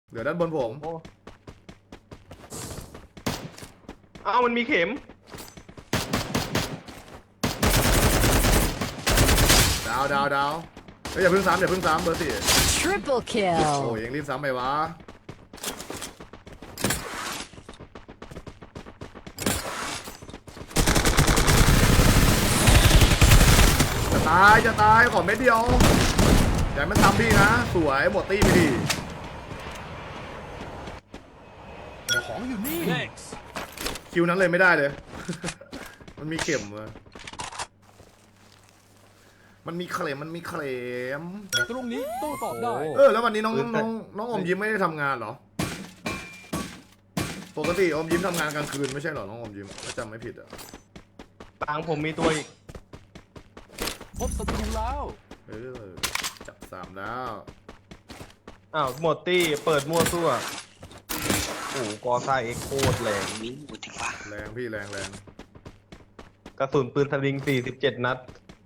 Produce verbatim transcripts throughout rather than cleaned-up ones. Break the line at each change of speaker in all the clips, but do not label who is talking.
เดี๋ยวด้านบนผม
โอ้อ้าวมันมีเข็ม
ดาวดาวดาวเฮ้ยอย่าเพิ่งซ้ำอย่าเพิ่งซ้ำเบอร์สี่
Triple
โอ้ย
kill.
ยังรีบซ้ำไปวะจะตายจะตายขอเม็ดเดียวอย่าให้มันซ้ำพี่นะสวยหมดตี้ไปดีของอยู่นี่คิวนั้นเลยไม่ได้เลย มันมีเข็มอะมันมีเคลมมันมีเคลม
ตรงนี้โต้ตอบได้
เออแล้ววันนี้น้องน้องน้องอมยิ้มไม่ได้ทำงานเหรอปกติอมยิ้มทำงานกลางคืนไม่ใช่เหรอน้องอมยิ้มถ้าจำไม่ผิดอ่ะ
ตังผมมีตัวอีก
พบศัตรูแล้ว
เออจับสามแล้ว
อ้าวหมดตี้เปิดมั่วซั่วโอ้โหกอซ่าเอ็กโคตรแรง
มิ้นหมดดีกว่า
แรงพี่แรงแรง
กระสุนปืนสลิงสี่สิบเจ็ดนัด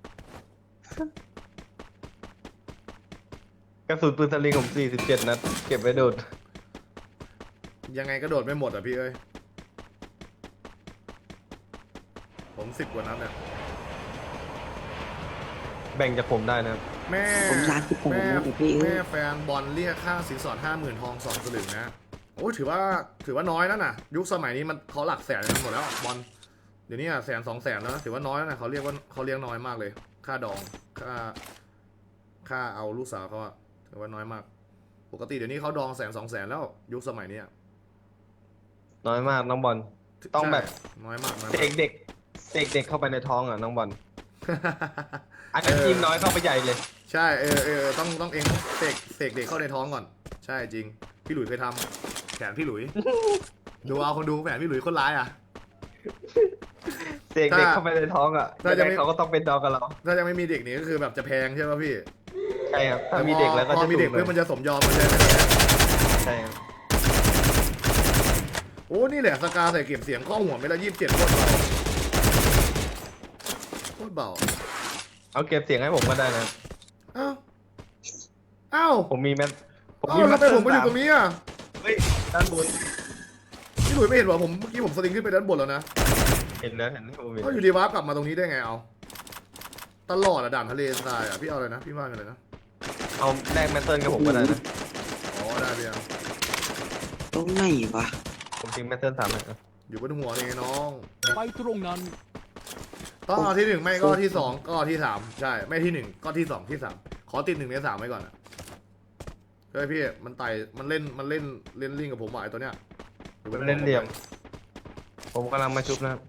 กระสุนปืนสลิงผมสี่สิบเจ็ดนัดเก็บไว้โดด
ยังไงก็โดดไม่หมดอ่ะพี่เอ้ยผมสิบกว่านั้นเนี่ย
แบ่งจากผมได้นะครับ
แม่
ผมร้านที่ผม
แม่
นะแต่พี่เอ้
แม่
ย
แฟนบอลเรียกค่าสินสอดห้าหมื่นทองสองสลึงนะโอ้ยถือว่าถือว่าน้อยแล้วนะยุคสมัยนี้มันเขาหลักแสนกันหมดแล้วบอลเดี๋ยวนี้อะแสนสองแสนแล้วนะถือว่าน้อยแล้วนะเขาเรียกว่าเขาเรียกน้อยมากเลย ค่าดองค่าค่าเอาลูกสาวเขาอะถือว่าน้อยมาก ปกติเดี๋ยวนี้เขาดองแสนสองแสนแล้วยุคสมัยนี้อะ
น้อยมากน้องบอลต้องแบบ
ใช่น้อยมากน้อย
เส
มาก
กเด็กเสกเด็กเข้าไปในท้องอ่ะน้องบอลอันนี้ยิงน้อยเข้าไปใหญ่เลย
ใช่เออเออต้องต้องเองเสกเสกเด็กเข้าในท้องก่อน ใช่จริงพี่หลุยเคยทำแผนพี่หลุย ดูเอาคนดูแผนพี่หลุยคนร้ายอ่ะ
เสกเด็กเข้าไปในท้องอ่ะ
ถ้า
ยัง
จะ
ไง
ไม่
เขาก็ต้องเป็นดองกับเรา
ถ้าจะไม่มีเด็กนี่ก็คือแบบจะแพงใช่ป่ะพี่
ใช่ครับถ้ามีเด็กแล้วก็
พอ
จะ
มีเด็ก
ถู
เพื่อ
ลย
มันจะสมยอมมันจะ
ใช่ครับ
โอ้นี่แหละสกาใส่เก็บเสียงข้อหัวไม่ละยี่สิบเจ็ดโคตรเบาโคตรเบา
เอาเก็บเสียงให้ผมก็ได้นะ
อ้าวอ้าว
ผมมีแมทผม
อ้า
มี
ว
แม
แล้ว
ท
ทำไมผมมาอยู่ตรงนี้อ่ะ
เฮ้ยด้านบน
พี่หลุยไม่เห็นเหรอผมเมื่อกี้ผมสลิงขึ้นไปด้านบนแล้วนะ
เห็นแล้วเห็นแล้วผมเห็น
ก็อยู่ดีวาร์ปกลับมาตรงนี้ได้ไงเอาตลอดอะด่านทะเลทรายอะพี่เอาอะไรนะพี่ว่าอะไรนะ
เอาแลกแมทเทิลกับผมก็ได้นะ
อ๋อได้พี่ยัง
ตรงไหนวะ
ผมทิ้งแมทเทิลสามเลยนะ
อยู่บนหัวนี่ไงน้อง
ไปตรงนั้น
ต้องเอาที่หนึ่งไม่ก็ที่สองก็ที่สามใช่ไม่ที่หนึ่งก็ที่สองที่สามขอติดหนึ่งในสามไว้ก่อนอะเฮ้ยพี่มันไต่มันเล่นมันเล่นเล่นลิงกับผมว่ะไอตัวเนี้ยอยู่บ
มัน
หัว
เล่นเหลี่ยม ผมกำลังมาชุบนะครับ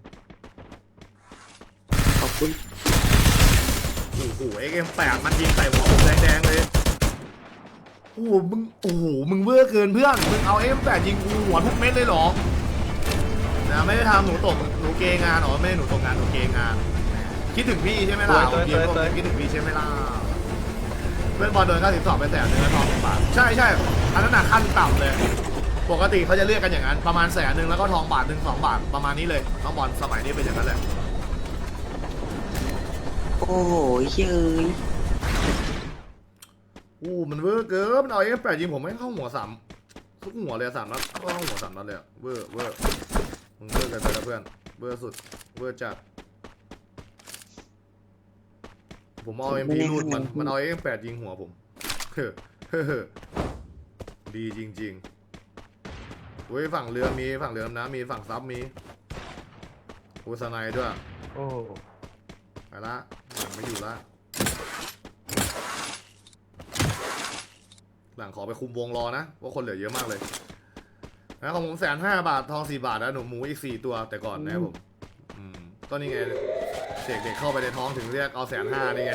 ขอบคุณ
โอ้โหเอ็กเอ็มแปดมันยิงใส่หัวผมแดงๆเลยโอ้โหมึงโอ้โหมึงเวอร์เกินเพื่อนมึงเอาเอ็กเอ็มแปดยิงกูหัวทุกเม็ดเลยเหรอนะไม่ได้ทำหนูตกหนูเกงานหรอไม่ได้หนูตกงานหนูเกงานคิดถึงพี่ใช่ไหมล่ะผมยิงผมคิดถึงพี่ใช่ไหมล่ะเพื่อนบอลโดนค่าสินสอดไปแสนหนึ่งแล้วทองหนึ่งบาทใช่ใช่อันนั้นหนักขั้นต่ำเลยปกติเขาจะเรียกกันอย่างนั้นประมาณแสนหนึ่งแล้วก็ทองบาทหนึ่งสองบาทประมาณนี้เลยน้องบอลสมัยนี้เป็นอย่างนั้นแหละ
โอ้โหเย้ย
อู้มันเวอร์เกินมันเอาเอฟแปดยิงผมไม่เข้าหัวสามทุกหัวเลยสามนัดเข้าหัวสามนัดเลยอะเวอร์เวอร์มึงเวอร์กันไปแล้วเพื่อนเวอร์สุดเวอร์จัดผมเอาเอ็มพีรูดมันมันเอาเอฟแปดยิงหัวผมเฮ้อเฮ้อเฮ้อดีจริงๆเว้ยฝั่งเรือมีฝั่งเรือดำน้ำมีฝั่งซับมีโอสไนด้วย
โอ้
ไปละหลังไม่อยู่ละหลังขอไปคุมวงรอนะว่าคนเหลือเยอะมากเลยนะของผมแสนห้าบาททองสี่บาทนะหนูหมูอีกสี่ตัวแต่ก่อนนะครับผมอืมก็นี่ไงเด็กเด็กเข้าไปในท้องถึงเรียกเอาแสนห้านี่ไง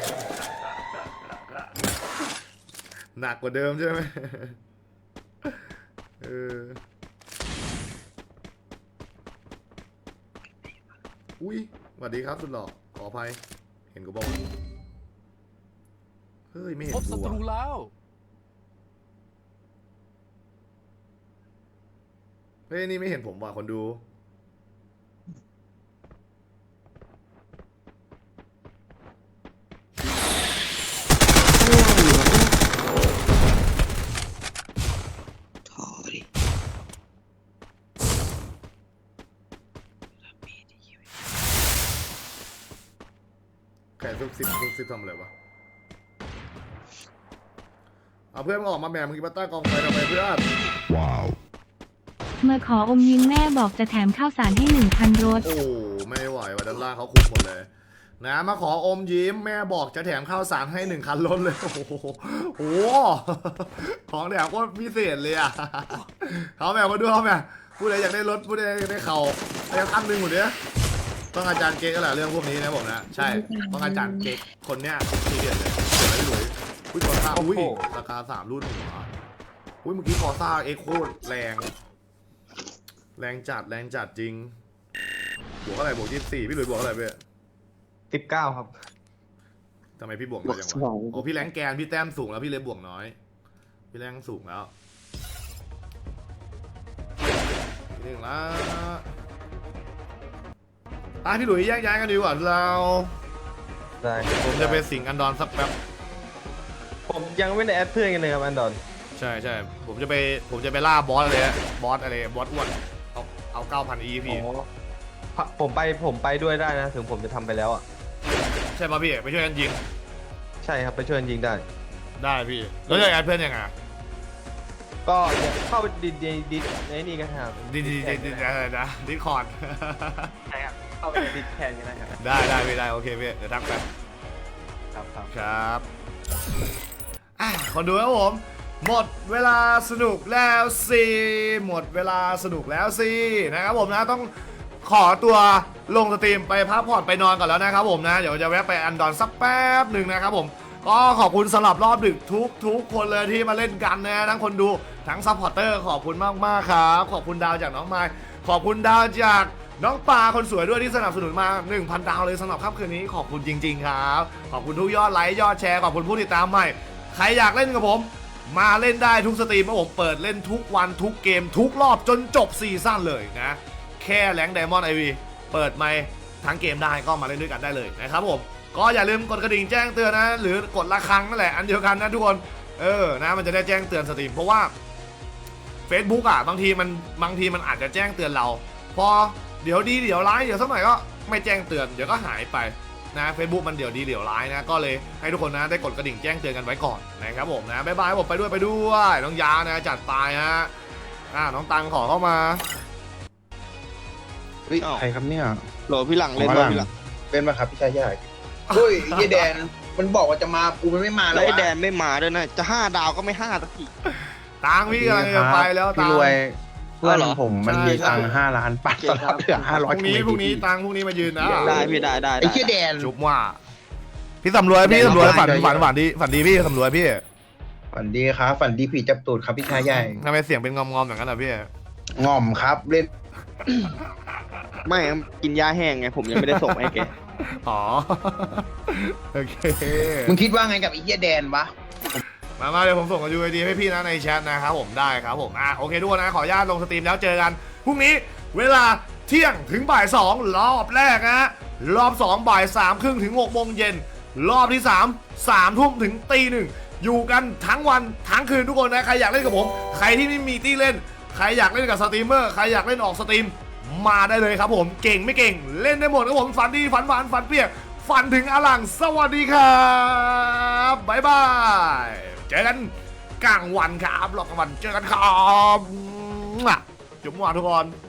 หนักกว่าเดิมใช่ไหมเอออุ้ยสวัสดีครับสุดหล่อขออภัยเห็นกูบอกเฮ้ยไม่เห็น
พบศั
กู
ตรู
อะ
แล้ว
เฮ้ยนี่ไม่เห็นผมว่ะคนดูนซุกซิบซุกซิบทำอะไรวะเอาเพื่อนมึงออกมาแหม่มึงกินมาตั้งกองไฟทำไมเพื่อน
มาขออมยิ้มแม่บอกจะแถมข้าวสารให้หนึ่งคันรถ
โอ้ไม่ไหวว่ะด้านล่างเขาคุมหมดเลยนะมาขออมยิ้มแม่บอกจะแถมข้าวสารให้หนึ่งคันรถเลยโอ้โหโอ้โหของแถมก็พิเศษเลยอ่ะเขาแม่มาดูเขาแม่ผู้ใดอยากได้รถผู้ใดอยากได้เข่าได้คันหนึ่งหมดเนี้ยต้องอาจารย์เก๊กก็แหละเรื่องพวกนี้นะผมนะใช่ต้องอาจารย์เก๊กคนเนี้ยทีเด็ดเลยเดี๋ยวไม่รวยอุ้ยกอซ่าอุ้ยราคาสามรุ่นหัวอุ้ยเมื่อกี้กอซ่าเอ็กโคตรแรงแรงจัดแรงจัดจริงบวกอะไรบวกยี่สิบสี่พี่หลุยบวกอะไรเพื่อ
สิบเก้าครับ
ทำไมพี่บวกน้อยจังวะโอ้พี่แรงแกนพี่แต้มสูงแล้วพี่เลยบวกน้อยพี่แรงสูงแล้วเรื่องละอ่ะพี่หลุยแยกย้ายกันดีกว่าเรา
ได้
ผมจะไปสิงอันดอนสักแป๊บ
ผมยังไม่ได้แอดเพื่อนกันเลยครับอันดอน
ใช่ใช่ผมจะไปผมจะไปล่าบอสอะไรนะบอสอะไรบอสอ้วนเอาเอาเก้าพันอีพี่
อ๋อผมไปผมไปด้วยได้นะ ถึงผมจะทำไปแล้วอ่ะ
ใช่ป่ะพี่ไปช่วยกันยิง
ใช่ครับไปช่วยกันยิงได้
ได้พี่แล้วจะแอดเพื่อนยังไง
ก็เดี๋ยวเข้าไปดิดดิดดิดในนี่กันครับ
ดีดีดีดีอะไรนะดิคอร์ด
ใช่ครับเข้าไปดิดแทนกันได้ครับ
ได้ได้พี่ได้โอเคพี่เดี๋ยวทักไป
ครับครับ
ครับอ่ะคนดูครับผม หมดเวลาสนุกแล้วสิหมดเวลาสนุกแล้วสินะครับผมนะต้องขอตัวลงสตรีมไปพักผ่อนไปนอนก่อนแล้วนะครับผมนะเดี๋ยวจะแวะไปอันดอนสักแป๊บหนึ่งนะครับผมก็ขอบคุณสำหรับรอบดึกทุกทุกคนเลยที่มาเล่นกันนะทั้งคนดูทั้งซัพพอร์เตอร์ขอบคุณมากมากๆครับขอบคุณดาวจากน้องไมค์ขอบคุณดาวจากน้องปลาคนสวยด้วยที่สนับสนุนมา หนึ่งพัน ดาวเลยสำหรับค่ำคืนนี้ขอบคุณจริงๆครับขอบคุณทุกยอดไลค์ยอดแชร์ขอบคุณผู้ติดตามใหม่ใครอยากเล่นกับผมมาเล่นได้ทุกสตรีมเพราะผมเปิดเล่นทุกวันทุกเกมทุกรอบจนจบซีซั่นเลยนะแค่แรงไดมอนด์ไอวีเปิดไมค์ทั้งเกมได้ก็มาเล่นด้วยกันได้เลยนะครับผมก็อย่าลืมกดกระดิ่งแจ้งเตือนนะหรือกดระฆังนั่นแหละอันเดียวกันนะทุกคนเออนะมันจะได้แจ้งเตือนสตรีมเพราะว่า Facebook อ่ะบางทีมันบางทีมันอาจจะแจ้งเตือนเราพอเดี๋ยวดีเดี๋ยวร้ายเดี๋ยวสักหน่อยก็ไม่แจ้งเตือนเดี๋ยวก็หายไปนะ Facebook มันเดี๋ยวดีเดี๋ยวร้ายนะก็เลยให้ทุกคนนะได้กดกระดิ่งแจ้งเตือนกันไว้ก่อนนะครับผมนะบ๊ายบายผมไปด้วยไปด้วยน้องยานะจัดไปฮะอ่าน้องตังขอเข้ามา
เฮ้ยใครครับเนี่ย
โหลพี่หลังเล่น
อ๋อ
บ่
หลัง
พี่หลัง
เป็นมาครับพี่ชายใหญ่
เฮ้ยไอ้แดนมันบอกว่าจะมากูมันไม่มา
แล้
แล้ว ว
ไอ้
ไอ้
แด
แด
น
นไม่มาด้วยนะจะห้าดาวก็ไม่ห้าสักที
ตังพี่กำลังจะไปแล้วตั
พี่
ง
รวยเพื่อน
เหรอ
ผมมัน
ใช่
มี
ใช่
ตังค์ห้าล้านปัดตอนรับเหลือห้า
พ
ร้อย
รุ่งนี้พรุ่งนี้ตังพรุ่งนี้มายืนนะ
ได้พี่ได้ได้
ไอ้เชี่ยแดน
จุบว่าพี่สำรวยพี่สำรวยฝันฝันฝันดีฝันดีพี่สำรวยพี่
ฝันดีครับฝันดีผีจับตูดครับพี่ชายใหญ่
ทำไมเสียงเป็นงอมๆอย่างนั้นอ่ะพี่
ง่อมครับเล่น
ไม่กินยาแห้งไงผมยังไม่ได้ส่งให้แก
อ๋อโอเค
มึงคิดว่าไงกับไอ้เชี่ยแดนวะ
มามาเดี๋ยวผมส่งกับ ยู ไอ ดี ให้พี่นะในแชทนะครับผมได้ครับผมอ่ะโอเคทุกคนนะขออนุญาตลงสตรีมแล้วเจอกันพรุ่งนี้เวลาเที่ยงถึงบ่ายสองรอบแรกนะรอบสองบ่ายสามครึ่งถึงหกโมงเย็นรอบที่สามสามทุ่มถึงตีหนึ่งอยู่กันทั้งวันทั้งคืนทุกคนนะใครอยากเล่นกับผมใครที่ไม่มีที่เล่นใครอยากเล่นกับสตรีมเมอร์ใครอยากเล่นออกสตรีมมาได้เลยครับผมเก่งไม่เก่งเล่นได้หมดครับผมฝันดีฝันหวานฝันเปียกฝันถึงอลังสวัสดีครับบ๊ายบายเจอกันกลางวันครับหลอกกลางวันเจอกันครับจุ๊บหวานทุกคน